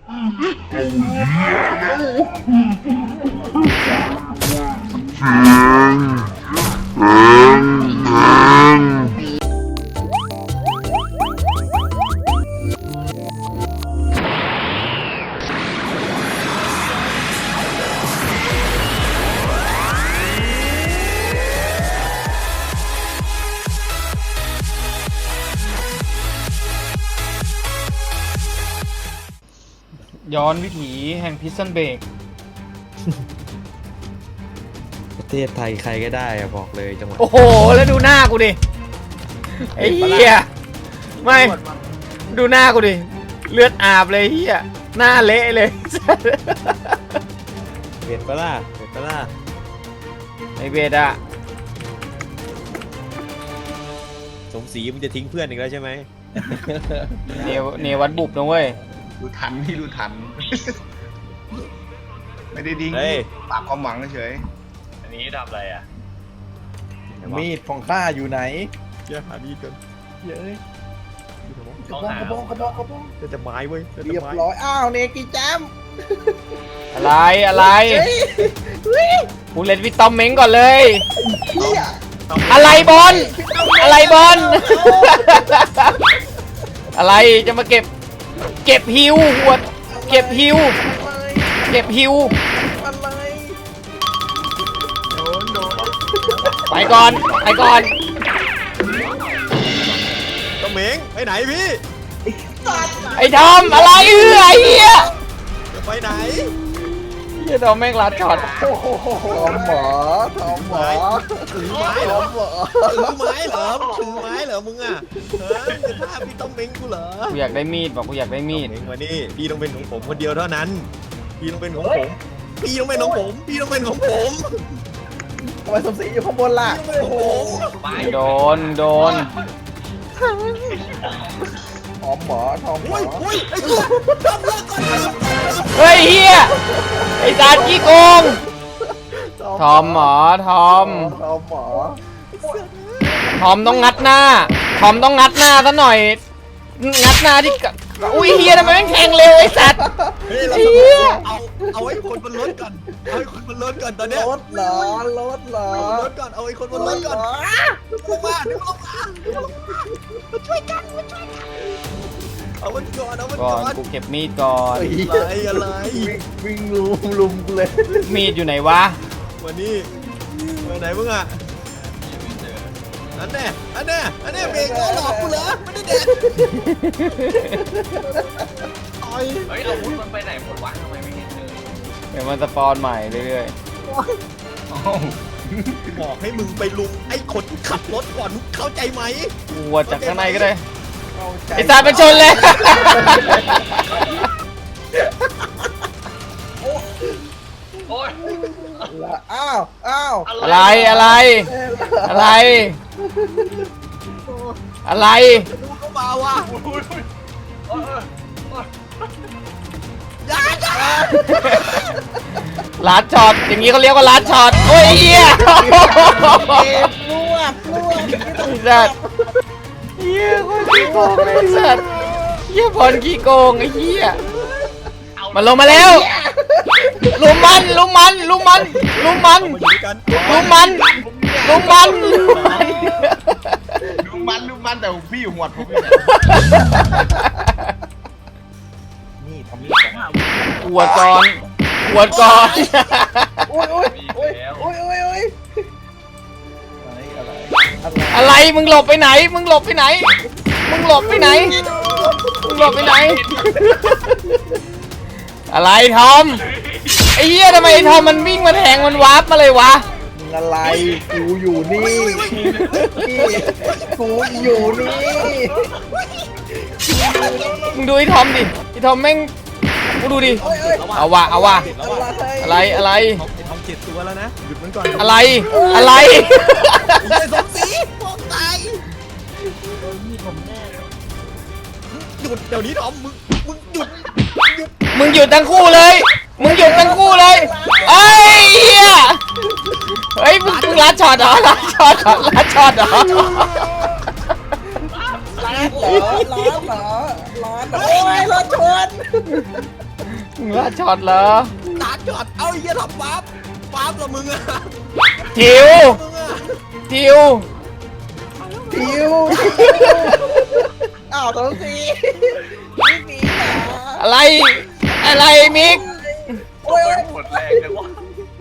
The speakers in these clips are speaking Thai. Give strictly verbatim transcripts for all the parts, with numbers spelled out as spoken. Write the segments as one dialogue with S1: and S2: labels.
S1: ย้อนวิถีแห่งพิซซันเบรก
S2: ประเทศไทยใครก็ได้อะบอกเลยจังหวัด
S1: โอ้โหแล้วดูหน้ากูดิไอ้เหี้ยไม่ดูหน้ากูดิเลือดอาบเลยเหี้ยหน้าเละเลย
S2: เบ็ดปะล่ะเบ็ดปะล่ะ
S1: ไอ้เบดอะ
S2: สมศรีมึงจะทิ้งเพื่อนอีกแล้วใช่ไหม
S1: เนวเนวัดบุบนะเว้ย
S3: ดูทันพี่ดูทัน ไม่ได้ดิ้งปากความหวังเฉย
S4: อันนี้ทำอะไรอ่ะ
S5: มีดของข้าอยู่ไหน
S2: เยอะหามีดกันเยอะเลย
S5: กระบองกระบองกระบองกระบอง
S2: จะจะไม้เว้ย
S5: เรียบร้อยอ้าวเนกิแจม
S1: อะไรอะไรกูเล่นวิตตอมเม้งก่อนเลยอะไรบอลอะไรบอลอะไรจะมาเก็บเก็บฮิวหัวเก็บฮิวเก็บฮิวไปก่อนไปก่อน
S2: ต้องเหม่งไปไหนพี่
S1: ไอ้ทอมอะไรเอื้อไอ้เหี้ย
S2: จะไปไหน
S1: เหี้ยทอมแม่งลัดช็อต
S5: ทอมหมอทอมหมอ
S2: ถือไม้เหรอถือไม้เหรอถือไม้เหรอมึงอ่ะเฮ้ยจะฆ่าพี่ต้องเหม่งกูเหรอ
S1: กูอยากได้มีดบอกกูอยากได้มีด
S2: มานี่พี่ต้องเป็นของผมคนเดียวเท่านั้นพี่ต้องเป็นของผมพี่ต้องเป็นของผมพี่ต้องเป็นของผม
S5: ทำไมสมศรีอยู่ข้างบนล่ะ
S1: โดนโดน
S5: ทอมหมอทอมหมอ
S1: เฮ้ยเฮียไอ้จานกี้โกงทอมหมอทอม
S5: ทอมหมอ
S1: ทอมต้องงัดหน้าทอมต้องงัดหน้าซะหน่อยงัดหน้าที่อุ้ยเฮียทำไมแม่งแทงเร็วไอ้สัตว์
S2: เฮียเอาเอาไอ้คนบนรถก่อนเอาไอ้คนบนรถก่อนตอนเนี้ย
S5: รถเหรอรถเหรอ
S2: รถก่อนเอาไอ้คนบนรถก่อนลงมาดึงลงมามาช่วยกันมาช่วยกันเอามันก่อนเอามันก่อน
S1: กูเก็บมีดก่อน
S2: อะไรอะไร
S5: วิ่งลุมลุมเลย
S1: มีดอยู่ไหนวะ
S2: วันนี้วันไหนมึงอ่ะอันแน่อันแน่อันแน่เบรกก็หลอกกูเหรอไม่ได้เด็ด
S4: เฮ้ยอาวุธมันไปไหนหมดวะทำไมไม่เห็นเลย
S1: เดี๋ยวมันสปอนใหม่เรื่อย
S2: ๆบอกให้มึงไปลุมไอ้คนที่ขับรถก่อนเข้าใจไหม
S1: กูวัดจากข้างในก็ได้ไอ้สายเป็นชนเลย
S4: โอ้ย
S5: อ้าวอ้าว
S1: อะไรอะไรอะไรอะไร
S2: ดูเข้ามาว่ะ
S1: ลัดช็อตอย่างนี้เขาเรียกว่าลัดช็อตโอ้ยเหี้ย
S5: รวบรวบ
S1: สัตว์เหี้ยคนขี้โกงไอ้สัตว์เหี้ยพรขี้โกงไอ้เหี้ยมันลงมาแล้วลุมมันลุมมันลุมมันลุมมันลุมมันลุมมันลุมมัน
S3: ลุมมันลุมมันแต่พี่อยู่หวดผม
S5: นี่ทำนี่
S1: อวดก่อนอวดก่อน
S5: โอ้ยโอ้ยโอ้ยโอ้ยโอ้ยโอ้ย
S1: อะไรอะไรมึงหลบไปไหนมึงหลบไปไหนมึงหลบไปไหนมึงหลบไปไหนอะไรทอมไอ้เหี้ยทำไมไอ้ทอมมันวิ่งมาแทงมันวาร์ปมาเลยวะ
S5: มึงอะไรกูอยู่นี่กูอยู่นี่
S1: มึงดูไอ้ทอมดิไอ้ทอมแม่งกูดูดิเอาวะเอาวะอะไรอะไร
S2: ไอ้ทอมเจ็ดตัวแล้วนะหยุดมันก่อน
S1: อะไรอะไร
S2: ไอ้สมศรีพวกตายหยุดเดี๋ยวนี้ทอมมึงมึงหยุด
S1: มึงหยุดทั้งคู่เลยมึงหยุดทั้งคู่เลยเอ้ยเฮียเฮ้ยมึงลัดช็อตเหรอลัดช็อตเหรอลัดช็อตเหรอ
S5: ร้านเหรอร้านเหรอร้านโอ้ยรถชน
S1: มึงลาดช็อตเหรอ
S2: ตาจอดเอาไอ้เหี้ยทำปั๊บปั๊บละมึงอะ
S1: ทิว
S2: มึงอะ
S1: ทิว
S5: ทิวอ้าวสองสีนี่สีเหรอ
S1: อะไร อะไรมิก
S5: โอ้ย
S4: หมดแรงเลยวะ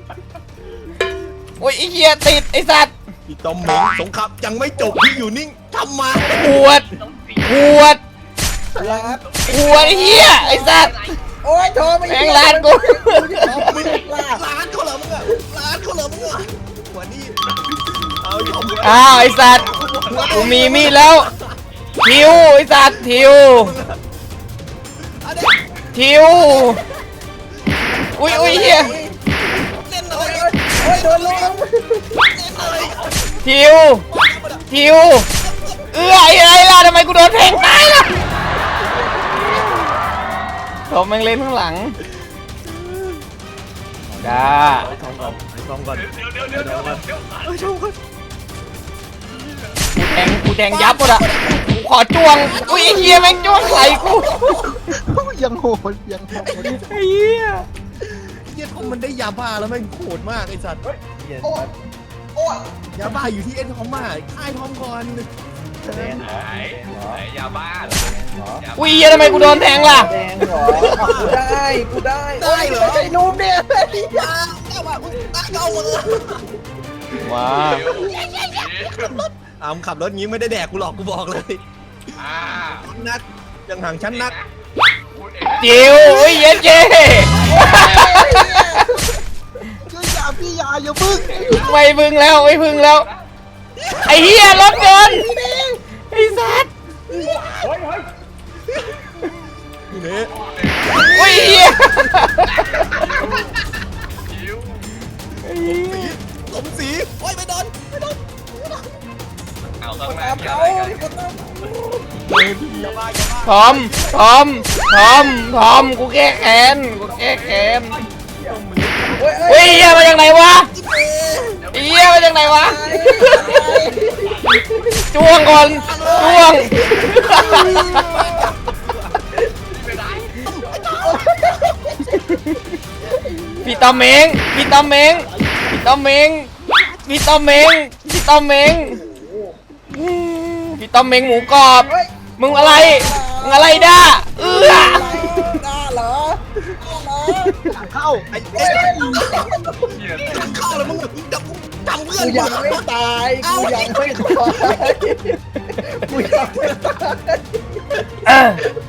S1: โอ้ยไอ้เหี้ยติดไอ้สัตว์
S2: พี่ต้อมเหม็งสงครามยังไม่จบพี่อยู่นิ่งทำมา
S1: ขวด
S4: ต้องสี
S1: ขวด
S5: ลาด
S1: ขวดไอ้เหี้ยไอ้สัตว์
S5: โอ้ยโทรไม่
S1: แม่งลาดกู
S2: มึงร้านเขาเหรอมึงอะร้านเขาเหรอมึงอะหัวนี่เอายอม
S1: อ้าวไอ้สัตว์กูมีมีดแล้วทิวไอ้สัตว์ทิว
S2: อันนี้
S1: ทิวอุ้ยอุ้ยเหี้ย
S2: เล่นอะไร
S5: โอ้ยโดนลง
S2: เล่นอะไร
S1: ทิวทิวเอื้อไอ้อะไรล่ะทำไมกูโดนแทงตายล่ะผมแม่งเล่นข้างหลังจ้า
S2: ทองก่อนทองก่อน
S4: เดี๋ยวเดี๋ยวเดี๋ยวเดี๋ยวเดี๋ยว
S2: เอาชมก่อน
S1: กูแทงกูแทงยับหมดอ่ะกูขอจ้วงอุ้ยไอ้เหี้ยแม่งจ้วงใส่กู
S5: ยังโหดยังโหด
S1: ไอ้เหี้ย
S2: เหี้ยทอมมันได้ยาบ้าแล้วแม่งโหดมากไอ้สัตว์
S5: เย็น
S2: ยาบ้าอยู่ที่เอ็นทอมมาค่ายทอมก่อน
S5: แดง
S4: ไหนไหนยาบ้าเหรอ
S5: เหรอ
S1: อุ้ยเหี้ยทำไมกูโดนแทงล่ะ
S5: แดงเหรอกูได้กูได้
S2: ได้เหรอ
S5: ไอ้นุ่มเนี่ย
S2: ยาแต่ว่ามึงตั้งเอามือ
S1: ว้า
S2: อามขับรถงี้ไม่ได้แดกกูหรอกกูบอกเลย
S4: อ่า
S2: นักยังห่างชั้นนัก
S4: พูดเองนะ
S1: จิ๋วอุ้ยเย็นเจ๊
S2: ช่วยยาพี่ยาอย่าพึ่ง
S1: ไม่พึ่งแล้วไม่พึ่งแล้วไอ้เหี้ยรถเกินไอ้สัตว์
S2: นี่เน่
S1: อุ้ยเหี้ย
S4: คิ้ว
S2: สมศรีโอ้ยไม่โดนไม่โดน
S4: เอาข้างหน้า
S5: ตาม
S4: เกี่ยว
S5: เขา
S4: อะไรกัน
S5: ที่คนนั้น
S2: ยาบ้ายาบ้า
S1: ทอมทอมทอมทอมกูแก้แค้นกูแก้แค้น
S5: โอ้ย
S1: อุ้ยเหี้ยมาจากไหนวะ
S2: เอ๊ะ
S1: เหี้ยมาจากไหนวะจ้วงก่อนจ้วง
S4: ไม่ได้
S1: พี่ตอมเมงพี่ตอมเมงพี่ตอมเมงพี่ตอมเมงพี่ตอมเมงอืมพี่ตอมเมงหมูกรอบมึงอะไรมึงอะไรด้าเอื้อ
S5: ได้เหรอ
S2: เข้าไอ้เอ๊ะ
S4: เหี้ย
S2: เข้าแล้วมึงจำจำเพื่อน
S5: กูยังไม่ตายกูยังไม่ตายกูยังไม่ตาย
S1: เออ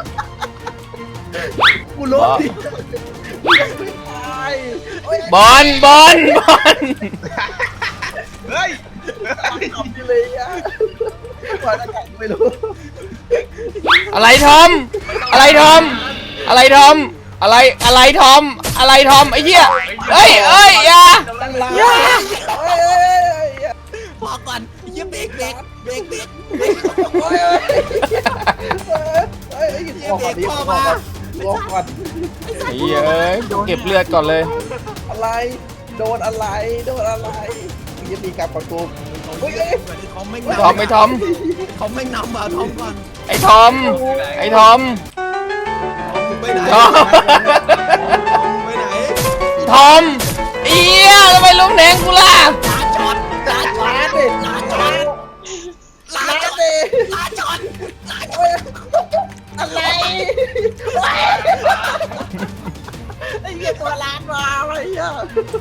S5: กูลบดิกูยังไม่ตายโอ้ย
S1: บอลบอลบอล
S3: เฮ้ย
S5: ทำดีเลยอ่ะปล่อยหน้ากากไม่รู้
S1: อะไรทอมอะไรทอมอะไรทอมอะไรอะไรทอมอะไรทอมไอ้เหี้ยเอ้ยเอ้ยอย่า
S5: ตั้งลาย
S1: อย่า
S5: เอ้ยเอ้ยเอ้ย
S2: พอก่อนอย่าเบรกเบรกเบรกเบรก
S5: โอ้ยเอ้ยเอ้ยเอ้ยออกก่อนดิออกก่อนออกก่อน
S1: ไอ้เหี้ยเอ้ยเก็บเลือดก่อนเลย
S5: อะไร โดนอะไร โดนอะไรมึงจะตีกลับประตูเฮ้ยเอ้ย
S2: ทอมไม่
S1: ทอมไอ้ทอม
S2: ทอมไม่นำบ่าทอมก่อน
S1: ไอ้ทอมไอ้ทอม
S2: มึงไปไหน
S1: ทอม
S2: ไปไหน
S1: ทอมเอี้ยทำไมลุมแทงกูล่ะ
S2: ลาจอดลาจอ
S5: ลา
S2: ด
S5: ดิ
S2: ลาจอดลา
S5: ลา
S2: จอด
S5: ดิ
S2: ลาจอดลาจอ
S5: โอ้
S2: ด
S5: ยอะไรไอ้เหี้ยตัวล้านมาไอ้เหี้ย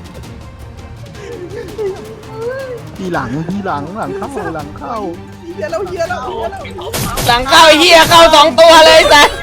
S6: ทีหลังทีหลังหลังเข้าหลังเข้า
S5: เหี้ยแล้วเหี้ยแล้วเหี้ยแล้ว
S1: หลังเข้าไอ้เหี้ยเข้าสองตัวเลยสัส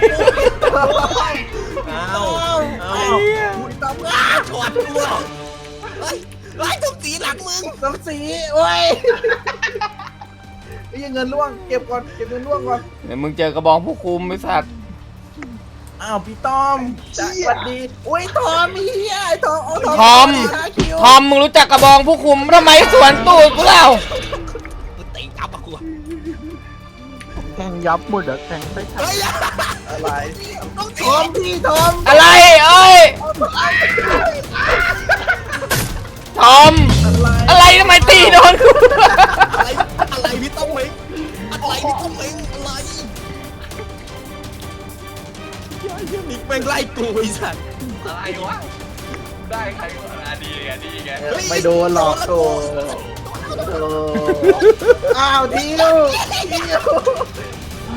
S2: เอาเอาคุณตำรวจจอดตัวเฮ้ยไล่ทุกสีหลังมึง
S5: น้ำสีโอ้ยไอ้เหี้ยเงินล่วงเก็บก่อนเก็บเงินล่วงก่อน
S1: เดี๋ยวมึงเจอกระบองผู้คุมไอ้สัตว์
S5: อ้าวพี่ต้อมสวัสดีอุ้ยทอมเฮียไอ้ทอมเอาทอม
S1: ทอม
S5: หาคิว
S1: ทอมมึงรู้จักกระบองผู้คุมทำไมสวนตูดกูเล่า
S2: กูตีจับอะกู
S6: แทงยับหมดอะแทงไปทัน
S2: เฮ้ย
S5: อะไร
S2: ต้อง
S5: ทอมพี่ทอม
S1: อะไรเอ้ยทอม
S5: อะไร
S1: อะไรทำไมตีโดนกู
S2: อะไรอะไรพี่ต้องเม้งอะไรพี่ต้องเม้งอะไรเฮ้ยเฮ้ยมิกแม่งไล่กูไอ้สัตว์
S4: อะไรวะได้ใครก็อ่ะดีไงดีไง
S5: ไม่โดนหลอกโตอ้าวทิวทิว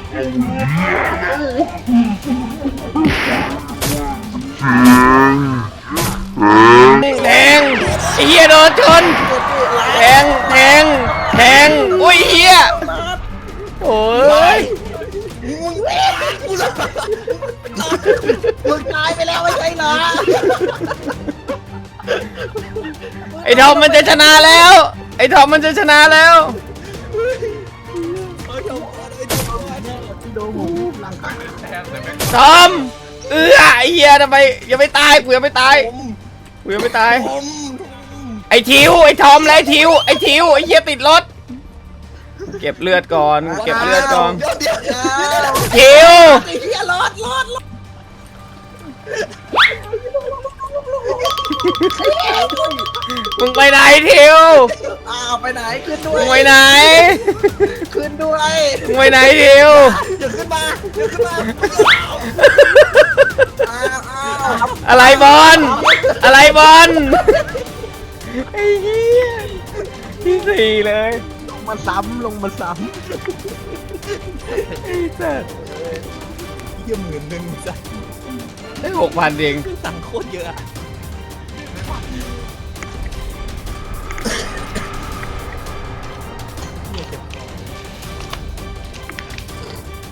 S1: แทงไอ้เหี้ยโดนชนแทงแทงแทงอุ้ยเหี้ยโอ้ย
S5: มึงตายไปแล้วไม่ใช่เหรอ
S1: ไอ้ทอมมันจะชนะแล้วไอ้ทอมมันจะชนะแล้ว
S6: พี่โดนผมหลังข้าง
S4: แทบแต่ไม่
S1: ทอมเออไอ้เหี้ยทำไมยังไม่ตายกูยังไม่ตายกูยังไม่ตายไอ้ทิวไอ้ทอมและไอ้ทิวไอ้ทิวไอ้เหี้ยติดรถเก็บเลือดก่อนเก็บเลือดก่อน
S2: เดี๋ยวเดี๋ยว
S1: ทิว
S5: ไอ้เหี้ยรอดรอดรอด
S1: มึงไปไหนทิว
S5: อ้าวไปไหนขึ้นด้ว
S1: มึ
S5: ย
S1: งไปไหน
S5: ขึ้นด้วย
S1: มึงไปไหนทิว
S5: เดี๋ยวขึ้นมาเดี๋ยวขึ้นมาอ้าวอ้าว
S1: อะไรบอลอะไรบอลไอ้เหี้ยที่สี่เลย
S6: ลงมาซ้ำลงมาซ้
S1: ไอ้สัส
S2: เยี่ยมหมื่นหนึ่งสัตว์
S1: ได้หกพันเอง
S2: ตังค์โคตรเยอะอะ